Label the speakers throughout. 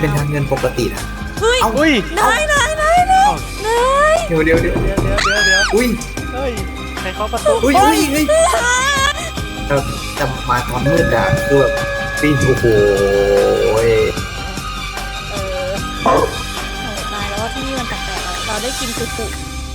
Speaker 1: เป็นทางเงินปกตินะ
Speaker 2: เฮ้ย
Speaker 1: เอ้า
Speaker 2: อุ้ยนาย
Speaker 1: เดี๋ยวอุ้ย
Speaker 2: เฮ้ยใครเคาะประตู
Speaker 1: อุ้ยแต่มาตอนมืดอะคือแบบปีนโอ้โห
Speaker 3: ตายแล้วว่าที่นี่มันแปลกๆเราได้กินสุกุ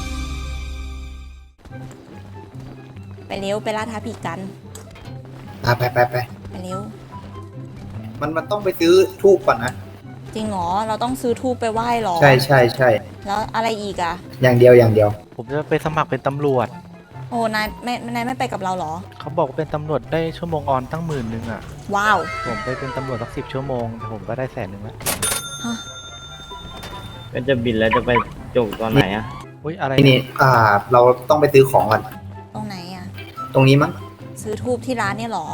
Speaker 3: ไปเร็วไปล่าท้าผีกัน
Speaker 1: ไป
Speaker 3: ไปเร็ว
Speaker 1: มันต้องไปซื้อทูบก่อนนะ
Speaker 3: จริงเหรอเราต้องซื้อทูบไปไหว้หรอ
Speaker 1: ใช่
Speaker 3: แล้วอะไรอีกอะ
Speaker 1: อย่างเดียว
Speaker 2: ผมจะไปสมัครเป็นตำรวจ
Speaker 3: โอ้นายไม่ไปกับเราหรอ
Speaker 2: เขาบอกว่าเป็นตำรวจได้ชั่วโมงออนตั้ง10,000อ่ะ
Speaker 3: ว้าว
Speaker 2: ผมไปเป็นตำรวจสัก10 ชั่วโมงแต่ผมก็ได้100,000แล้ว
Speaker 4: ก็จะบินแล้วจะไปจบตอนไหนอะ
Speaker 2: อุ้ยอะไร
Speaker 1: นี่เราต้องไปซื้อของก่อน
Speaker 3: ตรงไหนอะ
Speaker 1: ตรงนี้มั้ง
Speaker 3: ซื้อทูบที่ร้านเนี่ยหรอ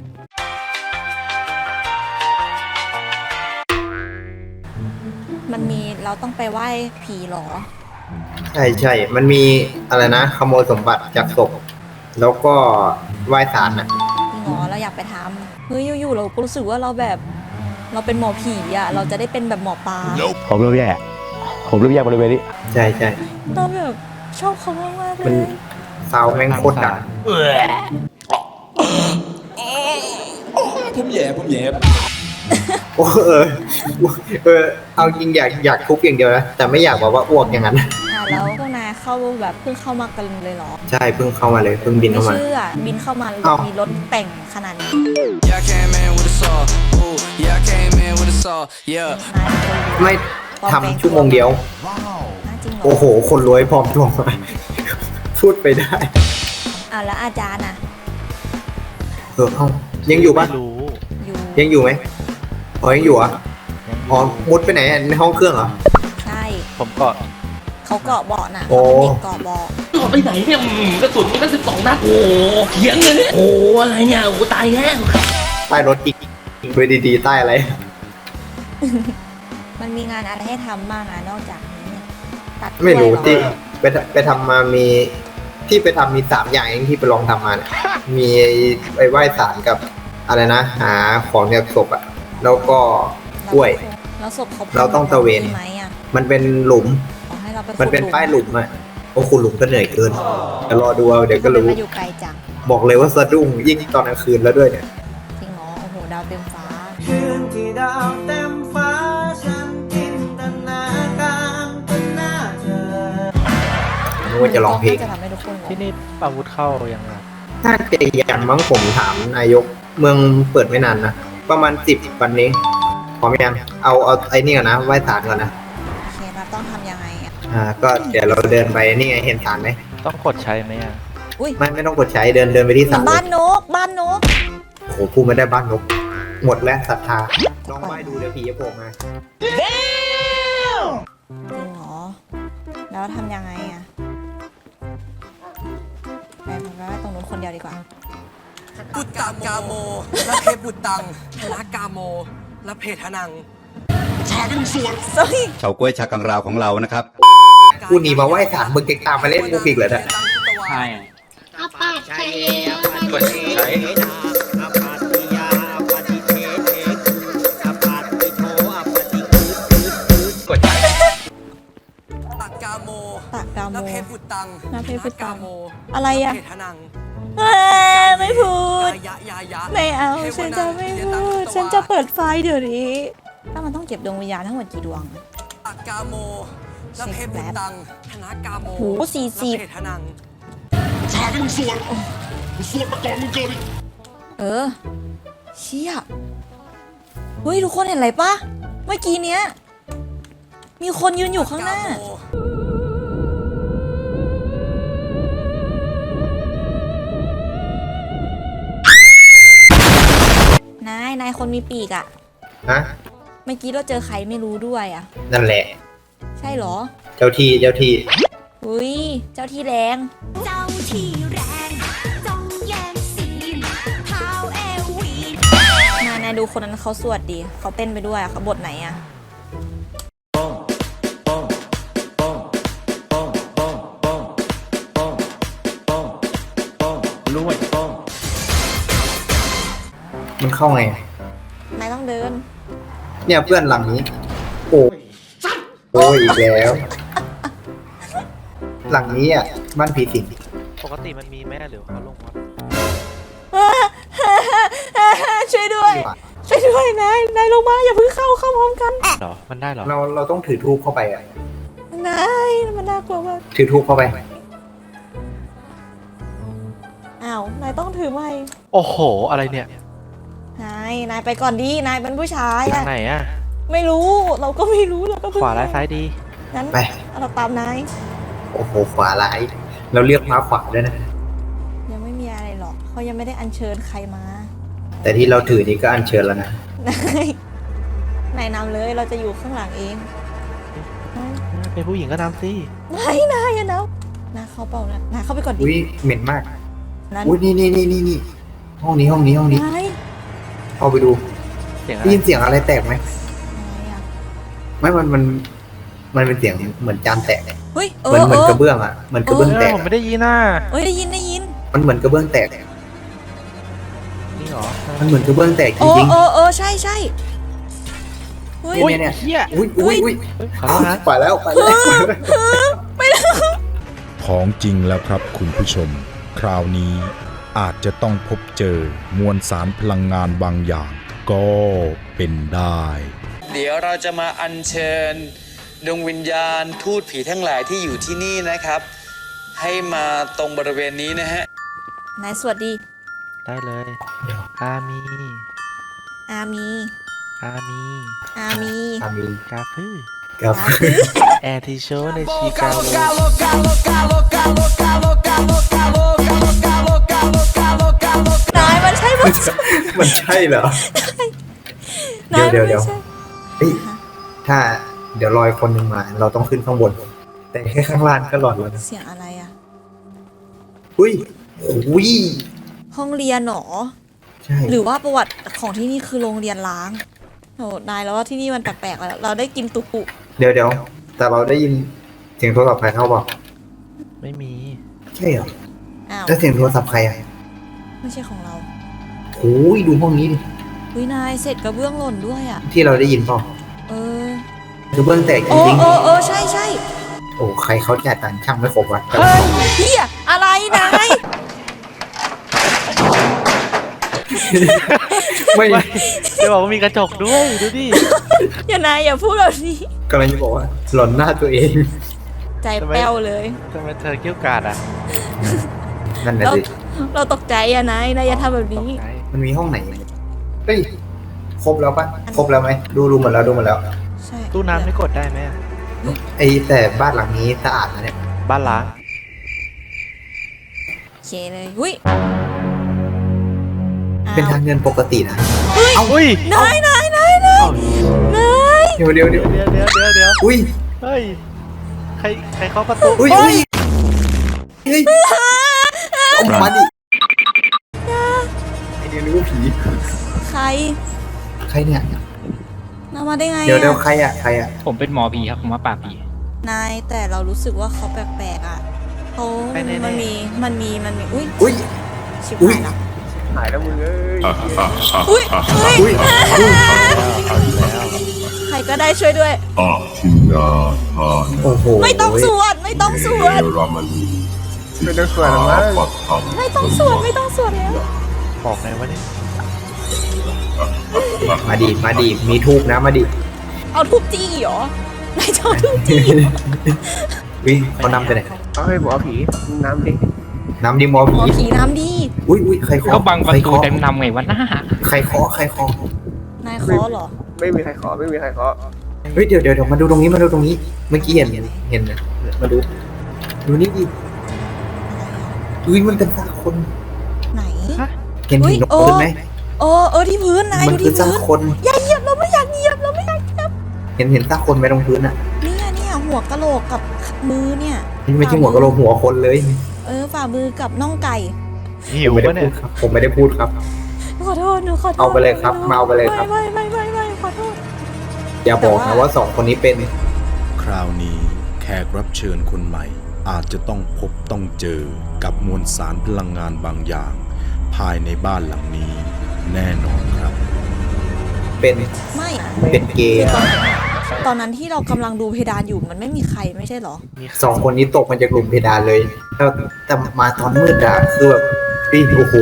Speaker 3: มันมีเราต้องไปไหว้ผีหรอ
Speaker 1: ใช่มันมีอะไรนะขโมยสมบัติจากศพแล้วก็ไหว้ศาลน่ะ
Speaker 3: จริงเหรอเราอยากไปทำเฮ้ยอยู่ๆเราก็รู้สึกว่าเราเป็นหมอผีอะเราจะได้เป็นแบบหมอปลา
Speaker 5: ผมเริ่มแย่บริเวณนี้
Speaker 1: ใช่
Speaker 3: เราแบบชอบเขามากๆเลย
Speaker 1: ซาวแม่งโคตรดัง
Speaker 5: ผมแย่
Speaker 1: โอ้เอาจริงอยากทุบอย่างเดียวนะแต่ไม่อยากบอกว่าอ้วกอย่างนั้น
Speaker 3: แล้วพวกนายเข้าแบบเพิ่งเข้ามากันเลยเหรอ
Speaker 1: ใช่เพิ่งเข้ามาเลยเพิ่งบินเข้ามา
Speaker 3: ไม่เชื่อบินเข้ามามีรถแต่งขนาดนี้
Speaker 1: ไม่ทำชั่วโมงเดียวโอ้โหคนรวยพร้อมทวงมาพูดไปได้
Speaker 3: แล้วอาจารย์อะ
Speaker 1: ยังอยู่ปะยังอยู่ไหมยังอยู่อ่ะมุดไปไหนในห้องเครื่องเหรอ
Speaker 3: ใช่
Speaker 2: ผมเกาะ
Speaker 3: เขาเกาะเบาะน่ะ
Speaker 1: โอ้
Speaker 3: เด็กเกาะเบาะ
Speaker 5: ไปไหนเนี่ยกระสุนมัน12 นัดโอ้เขียงเลยเนี่ยโอ้อะไรเนี่ยโอ้ตายแล้ว
Speaker 1: ใต้รถอีกไปดีๆใต้อะไร
Speaker 3: มันมีงานอะไรให้ทำบ้างนอกจากนี้ตัด
Speaker 1: ไม่รู้ที่ไปทำมามีที่ไปทำมี3 อย่างเองที่ไปลองทำมาเนี่ยมีไปไหว้ศาลกับอะไรนะหาของจากศพอ่ะแล้วก็กล้วย
Speaker 3: แล้วศพ
Speaker 1: เราต้องตะเวนมันเป็นหลุมมันเป็นป้ายหลุมอ่ะโอ้คุณหลุมก็เหนื่อยเกินแต่รอดูเอาเดี๋ยวก็รู้บอกเลยว่าสะดุ้งยิ่งตอนกลางคืนแล้วด้วยเนี่ย
Speaker 3: จริงเหรอโอ้โหดาวเต็มฟ้า
Speaker 6: คืนที่ดาวเต็มฟ้าฉันจินตนาการเป็นหน้าเธอ
Speaker 1: นึกว่าจะร้องเพลง
Speaker 2: ที่นี่อาวุธเข้ายังไง
Speaker 1: ถ้าเจียนมั้งผมถามนายกเมืองเปิดไม่นานนะประมาณ10 วันนี้พร้อมยังเอาไอ้นี่ก่อนนะไหว้ศาลก่อนนะ
Speaker 3: โอเคเราต้องทำยังไง
Speaker 1: ก็เดี๋ยวเราเดินไปนี่ไงเห็นศาลไหม
Speaker 2: ต้องกดใช้ไหม
Speaker 1: ไม่ต้องกดใช้เดินไปที่ศาล
Speaker 3: บ้านนก
Speaker 1: โอ้โหพูดไม่ได้บ้านนกหมดแล้วศรัทธาลองไหว้ดูเดี๋ยวผีจะโผล่มา
Speaker 3: จริงเหรอแล้วทำยังไงไปตรงนู้นคนเดียวดีกว่า
Speaker 6: ปุตตังกาโมและเพปุตตังละกาโมและเพทนัง
Speaker 5: ชากังสวน
Speaker 7: เฉาก้วยชากังราวของเรานะครับ
Speaker 1: กูหนีมาไหว้ศาลมึงเก่งตามมาเล่นกูอีกเลยนะ
Speaker 4: ใช่
Speaker 8: อาปาชัย
Speaker 1: กดใช้
Speaker 8: อาปาติยาอาปาติเทเทอาปาติโทอาปาติ
Speaker 1: กดใช้
Speaker 6: ตักกาโมและเพปุตตังกาโม
Speaker 3: อะไร
Speaker 6: เพทนัง
Speaker 3: ไม่พูดไม่เอาฉันจะไม่พูดฉันจะเปิดไฟเดี๋ยวนี้ถ้ามันต้องเก็บดวงวิญญาณทั้งหมดกี่ดวง
Speaker 6: ตักกาโมและเพปุตตังธนากาโม
Speaker 3: โห40
Speaker 6: เพทนัง
Speaker 5: ชากังสวนมาก่อนมึงเกิน
Speaker 3: เชี่ยเฮ้ยทุกคนเห็นอะไรปะเมื่อกี้เนี้ยมีคนยืนอยู่ข้างหน้านายคนมีปีกอะ
Speaker 1: ฮะ
Speaker 3: เมื่อกี้เราเจอใครไม่รู้ด้วยอะ
Speaker 1: นั่นแหละ
Speaker 3: ใช่เหรอ
Speaker 1: เจ้าที่
Speaker 3: อุ้ยเจ้าที่แรงจงแย่งซีนเท้าเอวีนายดูคนนั้นเขาสวดดีเขาเต้นไปด้วยเขาบทไหนอะ
Speaker 1: มันเข้าไง
Speaker 3: นายต้องเดิน
Speaker 1: เนี่ยเพื่อนหลังนี้โอ้ยอีกแล้ว หลังนี้อ่ะบ้านผีสิง
Speaker 2: ปกติมันมีแม่หรือเขาลงวัด
Speaker 3: ช่วยด้วย ช่วยด้วยนายลงมาอย่าเพิ่งเข้าพร้อมกัน
Speaker 2: เหรอ มันได้เหรอ
Speaker 1: เราต้องถือทูบเข้าไปอ่ะ
Speaker 3: นายมันน่ากลัวมาก
Speaker 1: ถือทูบเข้าไป
Speaker 3: อ้าว นายต้องถือไม้
Speaker 2: โอ้โห อะไรเนี่ย
Speaker 3: นายไปก่อนดี นายเป็นผู้ชาย
Speaker 2: ทา
Speaker 3: อะ
Speaker 2: งไหนอะ
Speaker 3: ไม่รู้ เราก็ไม่รู้ เราก็เพิ่ง
Speaker 2: ขวาร้ายซ้ายดี
Speaker 3: งั้น
Speaker 1: ไป
Speaker 3: เราตามนาย
Speaker 1: โอ้โหขวาร้ายเราเรียกมาขวาด้วยนะ
Speaker 3: ยังไม่มีอะไรหรอกเขายังไม่ได้อัญเชิญใครมา
Speaker 1: แต่ที่เราถือนี่ก็อัญเชิญแล้วนะ
Speaker 3: นายนำเลย เราจะอยู่ข้างหลังเอง
Speaker 2: เป็นผู้หญิงก็นำสิ
Speaker 3: ไม่นายอะนะนายเข้าเปล่านะนายเข้าไปก่อนดิ
Speaker 1: อุ้ยเหม็นมาก
Speaker 3: นั้น
Speaker 1: อุ้ยนี่ห้องนี้
Speaker 3: นาย
Speaker 1: เอาไปดู
Speaker 2: เสียงอะ
Speaker 1: ได้
Speaker 2: ไร
Speaker 1: ยินเสียงอะไรแตกไหม
Speaker 3: อะไรอะ
Speaker 1: ไม่มันเป็นเสียงเหมือนจานแตก
Speaker 3: เฮ้ย
Speaker 1: เหมือนกระเบื้องอ่ะเหมือนกระเบื้องแตก
Speaker 2: ผมไม่ได้ยินน่ะ
Speaker 3: เฮ้ยได้ยิน
Speaker 1: มันเหมือนกระเบื้องแตก
Speaker 2: นี่เหรอ
Speaker 1: มันเหมือนกระเบื้องแตกจ
Speaker 3: โอ้
Speaker 1: ริง
Speaker 3: ใช่เฮ้ย
Speaker 1: เนี่ย
Speaker 2: เฮีย
Speaker 1: อุ้ย
Speaker 2: เฮ้ยขอโทษนะ
Speaker 1: ไปแล้ว
Speaker 9: ของจริงแล้วครับคุณผู้ชม คราวนี้อาจจะต้องพบเจอมวลสารพลังงานบางอย่าง ก็เป็นได้
Speaker 6: เดี๋ยวเราจะมาอัญเชิญดวงวิญญาณทูตผีทั้งหลายที่อยู่ที่นี่นะครับ ให้มาตรงบริเวณนี้นะฮะ
Speaker 3: นายสวัสดี
Speaker 2: ได้เลย อามี
Speaker 3: อามี
Speaker 2: อามี
Speaker 3: อามี
Speaker 1: อามี
Speaker 2: กาพื้
Speaker 1: ครับ
Speaker 2: แอร์ที่โชว์ในชิคาโก
Speaker 3: นายมันใช่มัน
Speaker 1: มันใช่เหรอ
Speaker 3: นาย
Speaker 1: เดี๋ยว
Speaker 3: ไม่ใช่
Speaker 1: เฮ้ยถ้าเดี๋ยวรอยคนหนึ่งมา เราต้องขึ้นข้างบน แต่แค่ข้างล่างก็หลอดแล้วนะ
Speaker 3: เสียงอะไรอะ
Speaker 1: อุ้ยอุ้ย
Speaker 3: ห้องเรียนหรอ
Speaker 1: ใช่
Speaker 3: หรือว่าประวัติของที่นี่คือโรงเรียนล้างโอ้นายแล้วว่าที่นี่มันแปลกๆแล้วเราได้กินตุกุ
Speaker 1: เดี๋ยวแต่เราได้ยินเสียงโทรศัพท์ใครเข้าบอก
Speaker 2: ไม่มี
Speaker 1: ใช่เหรอ
Speaker 3: อ้าว
Speaker 1: แล้วเสียงโทรศัพท์ใครอ่ะ
Speaker 3: ไม่ใช่ของเรา
Speaker 1: โอ้ยดูห้องนี้ดิ
Speaker 3: อุ้ยนายเสร็จกระเบื้องหล่นด้วยอะ
Speaker 1: ที่เราได้ยินเปล่า
Speaker 3: เออ
Speaker 1: คือเบื้องแตกจ
Speaker 3: โอ้
Speaker 1: ริง
Speaker 3: ใช่
Speaker 1: ๆโอ้ใครเขาจ่ายตังค์ช่างไม่ครบวะ
Speaker 3: เฮ้ยเฮียอะไรนาย
Speaker 1: ไม่
Speaker 2: จะบอกว่ามีกระจกด้วย ดูดิ
Speaker 3: อย่าพูดแบบนี้
Speaker 1: กำลังจะบอกว่าหล่อนหน้าตัวเอง
Speaker 3: ใจแป้วเลย
Speaker 2: ทำไมเธอเกี้ยวกาดอ่ะ
Speaker 1: นั่นแหละสิ
Speaker 3: เราตกใจอะนายอย่าทำแบบนี้
Speaker 2: ตกใจ
Speaker 1: มันมีห้องไหนเฮ้ยครบแล้วปะครบแล้วไหมดูหมดแล้วดูหมดแล้ว
Speaker 3: ใช่
Speaker 2: ตู้น้ำไม่กดได้ไหมอะ
Speaker 1: ไอแต่บ้านหลังนี้สะอาดนะเนี่ย
Speaker 2: บ้านล้าง
Speaker 3: โอเคเลยหุ้ย
Speaker 1: เป็นทางเงินปกตินะ
Speaker 2: อุ้ย
Speaker 3: นาย
Speaker 2: อ้าว
Speaker 1: เดี๋ยว
Speaker 2: เดี๋ยว
Speaker 1: อุ้ย
Speaker 2: เฮ้ย ใครเคาะประตู
Speaker 1: อุ้ยเฮ้ยเอามาดิไอเดียนึกว่าผี
Speaker 3: ใคร
Speaker 1: ใครเนี่ย
Speaker 3: นำมาได้ไง
Speaker 1: เดี๋ยว
Speaker 3: อะ
Speaker 1: ใครอ่ะใครอ่ะ
Speaker 5: ผมเป็นหมอผีครับ ผมมาปราบผี
Speaker 3: นายแต่เรารู้สึกว่าเขาแปลกๆอ่ะเขามันมีอุ้ย
Speaker 1: อุ้ย
Speaker 3: ชิบ
Speaker 1: อุ๊ย
Speaker 3: หายละ
Speaker 1: หายแล้วมึงเอ้ย
Speaker 3: อุ้ย
Speaker 1: อุ้ย
Speaker 3: ใครก็ได้ช่วยด้วย
Speaker 1: โอ้โห
Speaker 3: ไม่ต้องสวดไม่ต้องสวด
Speaker 1: ไม่ต้องสวดหรอมั้ง
Speaker 3: ไม่ต้องสวดแล้ว
Speaker 2: บอกไงวะเนี่ย
Speaker 1: มาดิมีทูบนะมาดิ
Speaker 3: เอาทุบจี้เหรอนายจะเอาทุบจี้
Speaker 1: วิ่งเขานำไปไหน
Speaker 10: เอาให้หมอผีน้ำดิ
Speaker 1: น้ำดิมอ
Speaker 3: หม
Speaker 1: ผี
Speaker 3: อผีน้ำดี
Speaker 1: อุ้ยใครเคาะ
Speaker 5: ก็บังประ
Speaker 1: ใคร
Speaker 5: ตู
Speaker 1: เคาะ
Speaker 5: เต็มนำไงวะหน้า
Speaker 1: ใครเคาะ
Speaker 3: นายขอเหรอ
Speaker 10: ไม่มีใครขอไม่มีใครขอ
Speaker 1: เฮ้ยเดี๋ยวมาดูตรงนี้เมื่อกี้เห็นนะมาดูนี่ดิอุ้ยมันเป็นซากคน
Speaker 3: ไหน
Speaker 1: เห็น
Speaker 3: อุ๊ย
Speaker 1: นกพื้นไหม
Speaker 3: ที่พื้นนาย
Speaker 1: มั
Speaker 3: ดู
Speaker 1: คื
Speaker 3: ที่
Speaker 1: ซาก
Speaker 3: พื้น
Speaker 1: คน
Speaker 3: อย่าเหยียบเราไม่อยากเหยียบ
Speaker 1: เห็นซากคนไหมตรงพื้นอ่ะ
Speaker 3: เนี่ยหัวกะโหลกกับมือเนี่ย
Speaker 1: ไม่ใช่หัวกะโหลกหัวคนเลย
Speaker 3: ฝ่ามือกับน่องไก่
Speaker 2: หิว
Speaker 1: ผมไม่
Speaker 2: ปะ
Speaker 1: ได้
Speaker 2: เนี่
Speaker 1: พู
Speaker 2: ย
Speaker 1: ดครับผมไม่ได้พูดครับ
Speaker 3: ขอโทษหนูขอโทษ
Speaker 1: เอาไปเลยครับมาเอาไปเลยครับ
Speaker 3: ไม่ขอโทษ
Speaker 1: อย่าบอกนะว่าสองคนนี้เป็น
Speaker 9: คราวนี้แขกรับเชิญคนใหม่ อาจจะต้องพบต้องเจอกับมวลสารพลังงานบางอย่าง ภายในบ้านหลังนี้แน่นอนครับ
Speaker 1: เป็น
Speaker 3: ไม่
Speaker 1: เป็นเกย์
Speaker 3: คือตอนตอนนั้นที่เรากำลังดูเพดานอยู่มันไม่มีใครไม่ใช่เหรอ
Speaker 1: สองคนนี้ตกมาจากหลุมเพดานเลยแต่มาตอนมืดอะคือแบบโอ้โห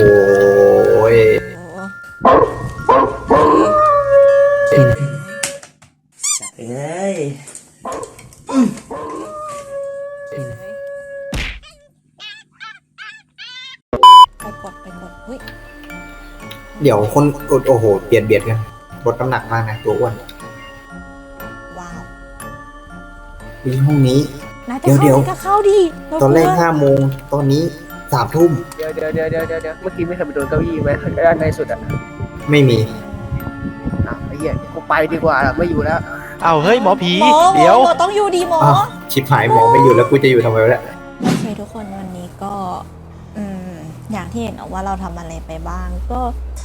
Speaker 3: ไปกดเฮ้ย
Speaker 1: เดี๋ยวคนโอ้โหเบียดกันลดน้ำหนักมากนะตัวอ้วน
Speaker 3: ว้าว
Speaker 1: มีห้องนี้
Speaker 3: นายจะเข้า
Speaker 1: เดี๋ยว
Speaker 3: ดิก็เข้าดิเา
Speaker 1: ตอนแรก
Speaker 3: ลัว
Speaker 1: 5 โมงตอนนี้3 ทุ่ม
Speaker 10: เดี๋ยวเมื่อกี้ไม่เคยไปโดนเก้าอี้ไหมด้านในสุดอ่ะ
Speaker 1: ไม่มี
Speaker 10: อ้าวไอ้เหี้ยกูไปดีกว่าไม่อยู่แล้ว
Speaker 2: เอาเฮ้ยหมอผี
Speaker 3: หมอ
Speaker 2: เดี๋ยว
Speaker 3: หมอต้องอยู่ดีหมอ
Speaker 1: อ้าวชิบหายหมอไม่อยู่แล้วกูจะอยู่ทำไมวะเนี่ย
Speaker 3: โอเคทุกคนวันนี้ก็ อย่างที่เห็นว่าเราทำอะไรไปบ้างก็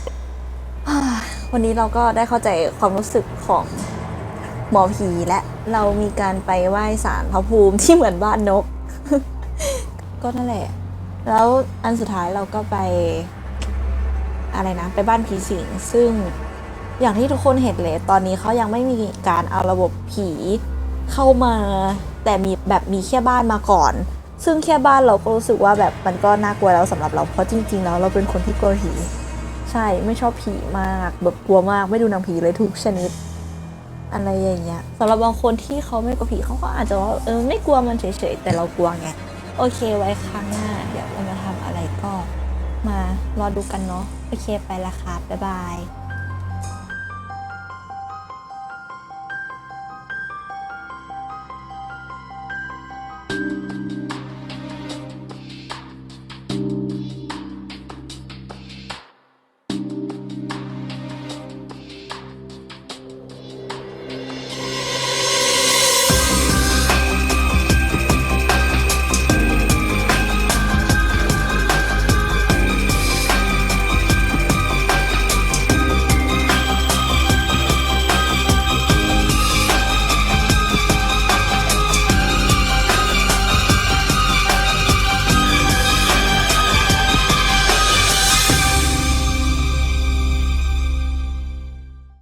Speaker 3: วันนี้เราก็ได้เข้าใจความรู้สึกของหมอผีและเรามีการไปไหว้ศาลพระภูมิที่เหมือนบ้านนก ก็นั่นแหละ แล้วอันสุดท้ายเราก็ไปอะไรนะ ไปบ้านผีสิงซึ่งอย่างที่ทุกคนเห็นเลยตอนนี้เขายังไม่มีการเอาระบบผีเข้ามา แต่มีแค่บ้านมาก่อน ซึ่งแค่บ้านเราก็รู้สึกว่าแบบมันก็น่ากลัวแล้วสำหรับเราเพราะจริงๆแล้วเราเป็นคนที่กลัวผีใช่ไม่ชอบผีมากแบบกลัวมากไม่ดูหนังผีเลยทุกชนิดอะไรอย่างเงี้ยสำหรับบางคนที่เขาไม่กลัวผีเขาก็อาจจะว่าไม่กลัวมันเฉยๆแต่เรากลัวไงโอเคไว้ครั้งหน้าเดี๋ยวเรามาทำอะไรก็มารอดูกันเนาะโอเคไปละครับบ๊ายบาย